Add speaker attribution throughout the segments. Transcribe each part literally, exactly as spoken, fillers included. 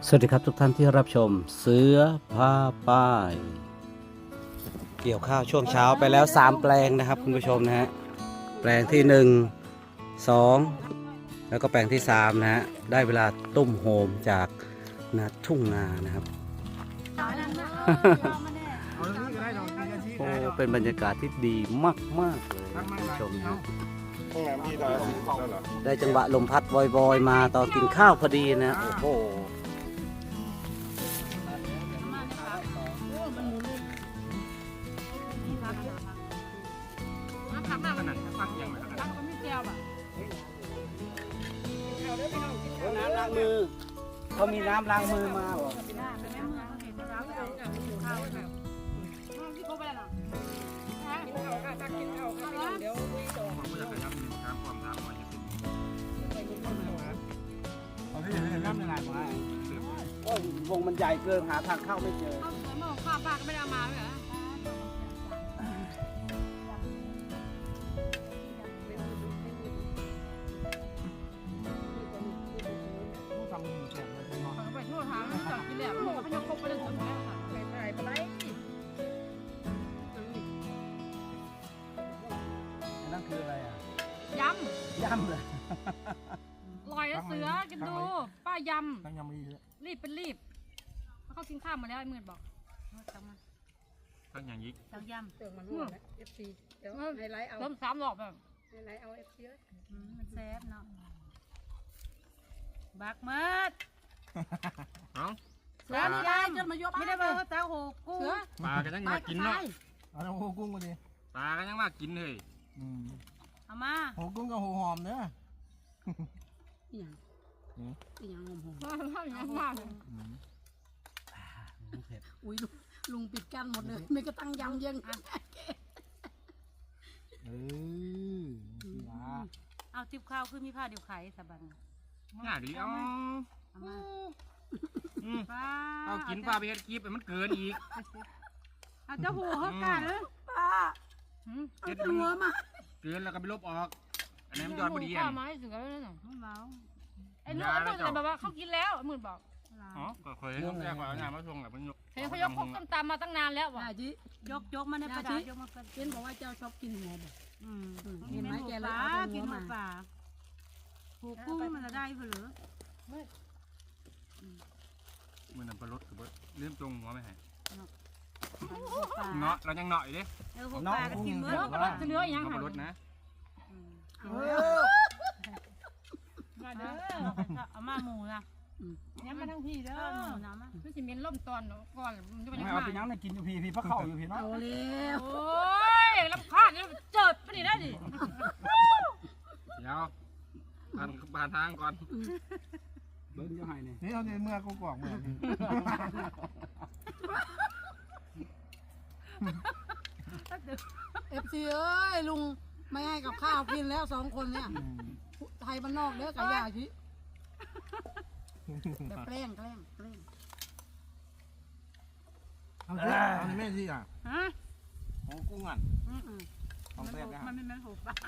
Speaker 1: สวัสดีครับทุกท่านที่รับชมเสือผ้าป้าย เกี่ยวข้าวช่วงเช้าไปแล้วสามแปลงนะครับคุณผู้ชมนะฮะแปลงที่หนึ่ง สองแล้วก็แปลงที่สามนะฮะได้เวลาตุ้มโฮมจากนาทุ่งนานะครับโอ้เป็นบรรยากาศที่ดีมากๆเลยคุณผู้ชมนะได้จังหวะลมพัดวอยๆมาตอนกินข้าวพอดีนะโอ้โหน้ำล้างมือเขามีน้ำล้างมือมาหรอวงมันใหญ่เกินหาทางเข้าไม่เจอเมื่อข้าวป้าก็ไม่ได้เอามาเลยเหรอไปทั่วทางจอดกินแหลมพยกคบไปเรื่องของแม่ค่ะไปไปไปไหนนั่นคืออะไรอ่ะยำยำเลยลอยแล้วเสือกินดูป้ายำตั้งยำรีบเป็นรีบเขากินข้าวมาแล้วไอ้มืดบอกตั้งมาตั้งอย่างยิ่งตั้งยำเติมมันด้วยเอฟซีเดี๋ยวไฮไลท์เอาเติมสามดอกแบบไฮไลท์เอาเอฟซีมันแซ่บเนาะบักมืดเสือนี่ได้จนมายกไม่ได้เบอร์ตาโหกุ้งปลากันยังมากินเนาะเอาโหกุ้งมาดิปลากันยังมากินเลยเอามาโหกุ้งกับโหหอมเนื้ออีหยังอีหยังหอมหอมมากมากเลยอุ้ยลุงปิดกั้นหมดเลยไม่กระตั้งยำยังเออเอาทิพข้าวคือมีผ้าเดียวไข่สบันง่ายดีเอาเอากินปลาไปเฮ็ดคลิปมันเกินอีกเอาเจ้าหัวเขากัดเลยป้าเก็บหัวมาเกินแล้วก็ไปลบออกอันนี้มันยอดพอดีอ่ะไม้ถึงแล้วเนี่ยเมาไอ้ลูกไอ้ลูกแต่แบบว่าเขากินแล้วหมื่นบอกอ๋อก็เคยต้องแจ้งก่อนงานมาชงแบบมันยกเห็นเขายกพวกต้มตำมาตั้งนานแล้วว่ะจิยกยกมาในปลาจิเห็นบอกว่าเจ้าชอบกินหัวแบบเห็นไหมแกเลยเอาหัวมาหัวกุ้งมันจะได้เปล่ามันนำปลาลดคือว่าเลื่อนตรงหัวไม่หายเนาะเรายังเนาะอยู่ดิเนาะกินเนื้อปลาลดจะเนื้อยังปลาลดนะมาเด้อเอามาหมูนะย้ำมาทั้งพี่เด้อน้ำมันจะมีล่มตอนก่อนจะไปยังไงเอาไปยังในกินอยู่พี่พี่พักเข่าอยู่พี่เนาะโอ้ยโอ้ยรับพลาดเนี่ยเจิดไปนี่ได้ดิเดี๋ยวผ่านผ่านทางก่อนเบิ้งจะหายเนี่ยนี่เอาในเมื่อกูกรอกเมื่อเอฟซีเอ้ยลุงไม่ให้กับข้าวกินแล้วสองคนเนี่ยไทยบ้านนอกเด้อไก่ยาชิแบบแกล้งแกล้งแกล้งเอาสิเอาแม่สิอ่ะฮะโอ้กุ้งอ่ะของแซ่บนะมันไม่แม่นโหปลา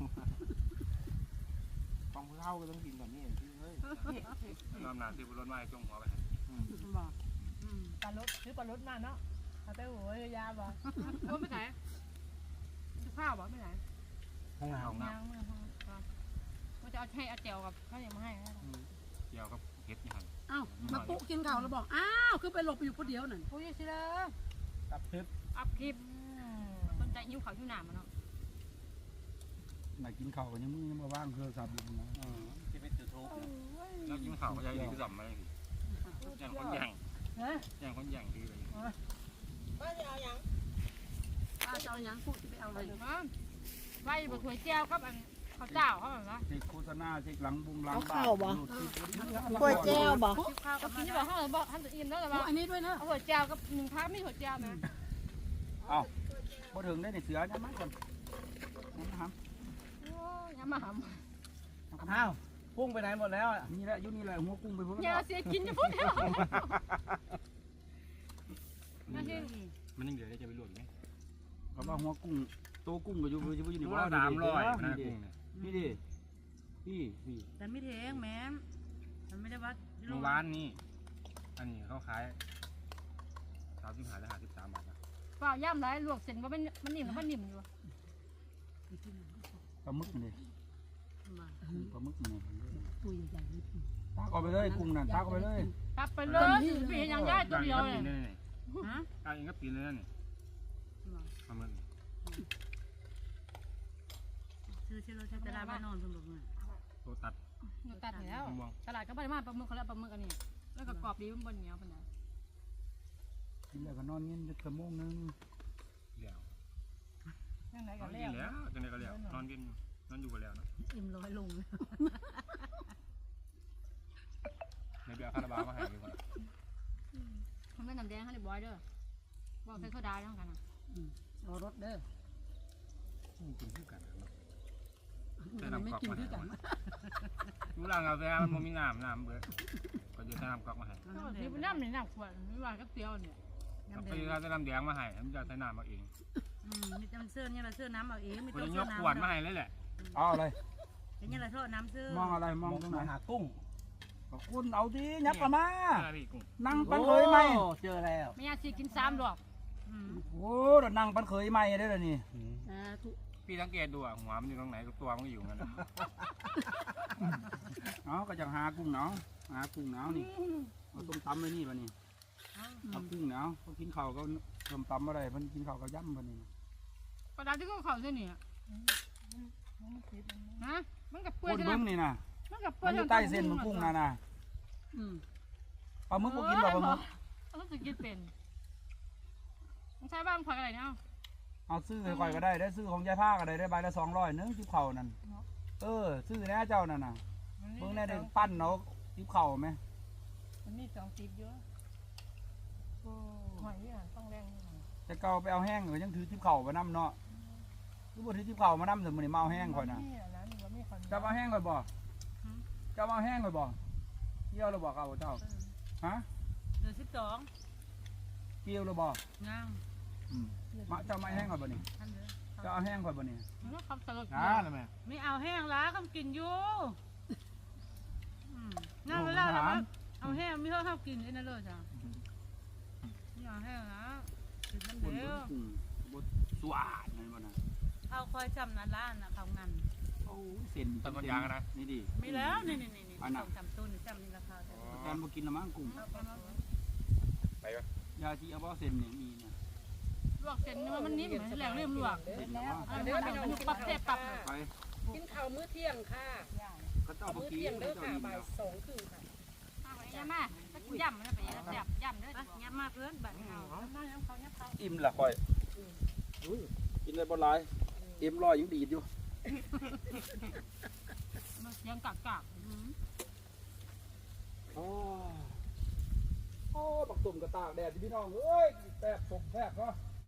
Speaker 1: ของผู้เฒ่าก็ต้องกินแบบนี้เฮ้ยน้ำหนักที่บุรุษมาจงหัวไปบอกปลาลดซื้อปลาลดมาเนาะเอาแต่หัวยาบอกโอ้ไม่ไหนข้าวบอกไม่ไหนห้องน้ำห้องน้ำก็จะเอาให้อาเจียวกับเขาอย่างมาให้เจียวกับเห็ดยังอ้าวมาปุ๊กินข้าวแล้วบอกอ้าวคือไปหลบอยู่คนเดียวนั่นปุ๊ยสิเลยอัพคลิปอัพคลิปสนใจยิ้วเขายิ้วหนามมันเนาะมากินข้าวกันยังมึงยังมาว่างเครือสับอยู่นะที่เป็นจุดทุกแล้วกินข้าวก็ยังดีก็สับมาเลยอย่างคนอย่างอย่างคนอย่างดีเลยป้าจะเอาอย่างป้าจะเอาอย่างพูดจะไปเอาอะไรไว้บนถ้วยเจียวกับอันข้าวเจ้าเขาแบบว่าเช็คโฆษณาเช็คหลังบุ้งหลังข้าวบ่ก๋วยเจียวบ่ข้าวกับกินที่บอกเขาบอกท่านจะอิ่มแล้วแต่ว่าอันนี้ด้วยนะเอาก๋วยเจียวกับหนึ่งพักไม่ก๋วยเจียวนะอ้าวพอถึงได้ในเสือน้ำมันก่อนน้ำมันโอ้ยน้ำมันอ้าวกุ้งไปไหนหมดแล้วนี่แหละยุนี่แหละหัวกุ้งไปพุ่งอย่าเสียกินจะพุ่งแล้วมันยังเดี๋ยวจะไปลวกไหมเขาบอกหัวกุ้งโตกุ้งก็อยู่อยู่อยู่ในว่าสามร้อยนะกุ้งเนี่ยนี่ดิพี่พี่แต่ไม่เทงแม่มันไม่ได้วัดเมื่อวานนี่
Speaker 2: อันนี้เขาขายสามสิบห้าหรือห้าสิบสามบาทนะ
Speaker 3: เปล่าย่ำไรลวกเส้นว่ามันมันนิ่มแล้วมันนิ่มอยู่
Speaker 4: ปลาหมึกนี่ปลาหมึกนี่
Speaker 5: ตัวใหญ่ๆนี่
Speaker 4: ตากเอาไปเลยกุ้งนั่นตากเอาไปเลย
Speaker 3: กลับไปเลยปียังย่ายตัวเดียวเลย
Speaker 2: นี่นี่
Speaker 3: ฮะ
Speaker 2: กางเองก็ปีนเลยนี่ปลาหมึก
Speaker 5: ซื้อเชื่อเราใช้ตลาดบ้านนอนสมบูรณ์
Speaker 2: ตัวตัด
Speaker 3: หนูตัดแล้ว
Speaker 2: มอง
Speaker 3: ตลาดก็ไปมาปลาหมึกเขาแล้วปลาหมึกอันนี้แล้วก็กรอบดีมันบนเหนียวขนาด
Speaker 4: กินแล้วก็นอนเย็นจะชั่วโมงนึง
Speaker 2: เลี้ยว
Speaker 3: ยังไง
Speaker 2: น
Speaker 3: กั
Speaker 2: อน น
Speaker 3: แล้
Speaker 2: กิน
Speaker 3: ว
Speaker 2: แล้วจังไดก็เลี้ยวนอนกินนอนอยู่กันแล้วนะ
Speaker 5: อิ่มร้อยลง
Speaker 2: ในเบียร์คาราบาวมาให้ดีกว่า
Speaker 3: มันไม่น้ำแดงให้เรียบร้อยเด้อบอกใส่โซดาแล้วกันนะ
Speaker 5: รอรถเด้อ
Speaker 2: กินคือกันเนาะ
Speaker 5: มันไม่กินด้วยกัน
Speaker 2: ดูหลังกาแฟมันบ่มีน้ำน้ำเบิดก็จะใส่น้ำก๊อกมาให้
Speaker 3: ที่เป็นน้ำในน้ำขวดไม่ว่าก็เตียวเนี่ย
Speaker 2: กาแฟก็จะน้ำแดงมาให้มันจะใส่น้ำมาเอง
Speaker 5: อืมมีแต่มันเสื้อเนี่ยเราเสื้อน้ำเอาเองมี
Speaker 2: ก็
Speaker 5: ตัว
Speaker 2: จะย
Speaker 5: เสื้อก น้ำ
Speaker 2: ขวดมาให้เลยแหละ
Speaker 4: เอาอะไร
Speaker 5: อย่างนี้เราโทษน้ำเสื้อ
Speaker 4: มองอะไรมองตรงไหน
Speaker 6: หากุ้ง
Speaker 4: คุณเอาดิยับกลับมา
Speaker 2: พี่กุ้ง
Speaker 4: นั่งปันเคยไหม
Speaker 6: โอ้เจอแล้ว
Speaker 3: ไม่อยากสิกินสามดอก
Speaker 4: โอ้เดี๋ยวนั่งปันเคยไหมได้เลยนี่
Speaker 5: อ่าทุ
Speaker 2: พี่สังเกตดูอ่ะหัวมันอยู่ตรงไหนตัวมันก็อยู่งั้น
Speaker 4: เอาก็จะหากุ้งเนาะหากุ้งเนาะนี่เอาต้มตำไว้นี่ปะนี่เอากุ้งเนาะเขากินข้าวก็ต้มตำอะไรเพิ่นกินข้าวก็ย่ำปะนี่
Speaker 3: กระดาษที่เขาเขาเส้นนี่ฮะมันกับเปื่
Speaker 4: ค
Speaker 3: อย
Speaker 4: น
Speaker 3: ใช่ไหม
Speaker 4: เบิ้งนี่นะ
Speaker 3: มันกับเปื่
Speaker 4: มั
Speaker 3: อน ย
Speaker 4: อยู่ใต้เส้นมันกุ้งนะนะ
Speaker 5: อืม
Speaker 4: ปลาหมึกก็กินปลาหมึก
Speaker 3: เขาต้องกินเป็นใช้บ้านผักอะไรเนี่ย
Speaker 4: เอาซื้อให้ก่อยก็ได้ได้ซื้อของยายผ้าก็ได้ได้ใบละสองร้อยนึงจิ้บเข่านั่นเออซื้อแน่เจ้านั่นน่ะเพิ่งได้ได้ปั้นเนาะจิ้บเข่าไหม
Speaker 3: มันมีสองสิบเยอะหอยอ่ะต้องแรง
Speaker 4: จะเก่าไปเอาแห้งก็ยังถือจิ้บเข่ามานํเนาะคือบ่ถือจิ้บเข่ามานํแต่มื้อนี้มาเอาแห้งก่อยน่ะจะเอาแห้งก่อยบ่จะเอาแห้งก่อยบ่เกี่ยวแล้วบ่เขาเจ้าฮะ
Speaker 5: เดือนสิบสอง
Speaker 4: เกี่ยวแล้วบ่
Speaker 5: งาม
Speaker 4: อืมมาเจ้ามาแห้งก่อยบ่นี่
Speaker 5: ท่านเด้อ
Speaker 4: จะเอาแห้งก่อยบ่นี่
Speaker 3: มันก็คำสลด
Speaker 2: อ่าแล้วแม่
Speaker 5: ไม่เอาแห้งล้าคำกินอยู่นั่นเวลาเราเอาแห้งไม่เขาเขากินไอ้นั่นเลยจ้ะไม่เอาแห้งนะกินมัน
Speaker 4: คน
Speaker 5: เดียว
Speaker 4: กุ้งบ่สวาดนั่นบ่น่ะ
Speaker 5: เอาคอยจำนั้นร้านนะเขางัน
Speaker 4: โอ้ยเส้น
Speaker 2: ต้นมะยางนะ
Speaker 4: นี่ดิ
Speaker 5: มีแล้วนี่นี่นี่นี่สองสามต้นจำนี่ราคาแต่
Speaker 4: แตนบ่กินละมั้งกุ้ง
Speaker 2: ไปวะ
Speaker 4: ยาที่เอาบ่เส้นนี่มีเนี่ย
Speaker 3: ลวกเส้นมันนิ่มแหลงเริ่มลวกอันนี้มันปรับเจ็บปรับ
Speaker 4: ไป
Speaker 7: กินข้าวมื้อเที่ยงค่ะ
Speaker 4: ก็เจ้าบ่
Speaker 7: มื้อ
Speaker 4: กิน
Speaker 7: เที่ยงเด้อ
Speaker 4: เจ้า
Speaker 7: ค่ะ
Speaker 4: อิ่ม
Speaker 7: บ่าย
Speaker 4: แล้ว
Speaker 7: สองครึ่งค่ะ
Speaker 3: ย่ำมาย่ำนะไปย่ำย่ำเด้อ
Speaker 5: ยับมากเกินบัดนี้เอา
Speaker 3: มาย่ำเขาย่ำเขา
Speaker 4: อิ่มละค่อยกินได้บ่หลายอิ่มร้อยยังดีดอยู่
Speaker 3: มันเสียงกากกาก
Speaker 4: โอ้โอ้บักตุ่มกระตากแดดพี่น้องเอ้ยแซ่บสมแซ่บเนาะ